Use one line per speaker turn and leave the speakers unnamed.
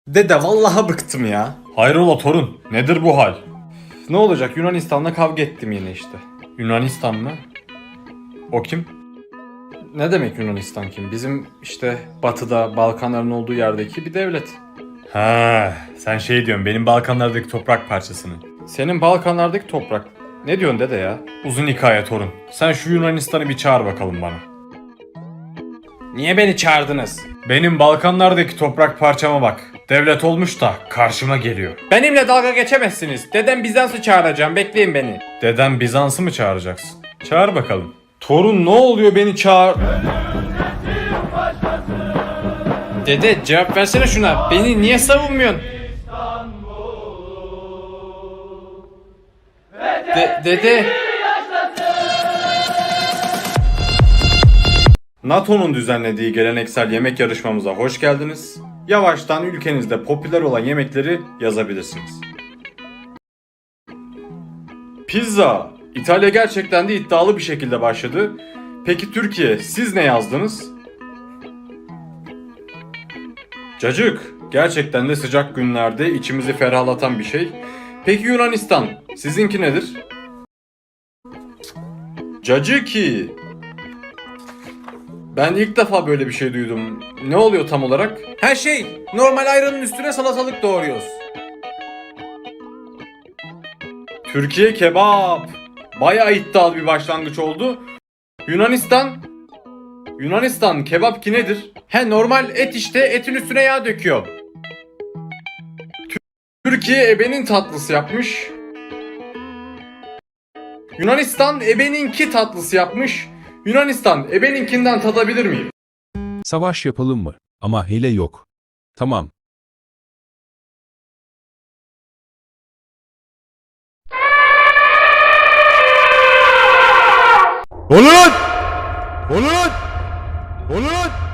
Dede vallahi bıktım ya.
Hayrola torun, nedir bu hal?
Ne olacak, Yunanistan'la kavga ettim yine işte.
Yunanistan mı? O kim?
Ne demek Yunanistan kim? Bizim işte batıda Balkanların olduğu yerdeki bir devlet.
Ha, sen şey diyorsun, benim Balkanlardaki toprak parçasını.
Senin Balkanlardaki toprak. Ne diyorsun dede ya?
Uzun hikaye torun. Sen şu Yunanistan'ı bir çağır bakalım bana.
Niye beni çağırdınız?
Benim Balkanlardaki toprak parçama bak. Devlet olmuş da karşıma geliyor.
Benimle dalga geçemezsiniz. Dedem Bizans'ı çağıracağım. Bekleyin beni.
Deden Bizans'ı mı çağıracaksın? Çağır bakalım.
Torun ne oluyor, beni çağır... Dede cevap versene şuna. Beni niye savunmuyorsun? Dede. NATO'nun düzenlediği geleneksel yemek yarışmamıza hoş geldiniz. Yavaştan ülkenizde popüler olan yemekleri yazabilirsiniz. Pizza. İtalya gerçekten de iddialı bir şekilde başladı. Peki Türkiye, siz ne yazdınız? Cacık. Gerçekten de sıcak günlerde içimizi ferahlatan bir şey. Peki Yunanistan, sizinki nedir? Caciki. Ben ilk defa böyle bir şey duydum. Ne oluyor tam olarak? Her şey. Normal ayranın üstüne salatalık doğruyoruz. Türkiye kebap. Bayağı iddialı bir başlangıç oldu. Yunanistan kebap ki nedir? He, normal et işte, etin üstüne yağ döküyor. Türkiye ebenin tatlısı yapmış. Yunanistan ebeninki tatlısı yapmış. Yunanistan ebeninkinden tadabilir miyim?
Savaş yapalım mı? Ama hile yok. Tamam.
Ulan! Ulan! Ulan!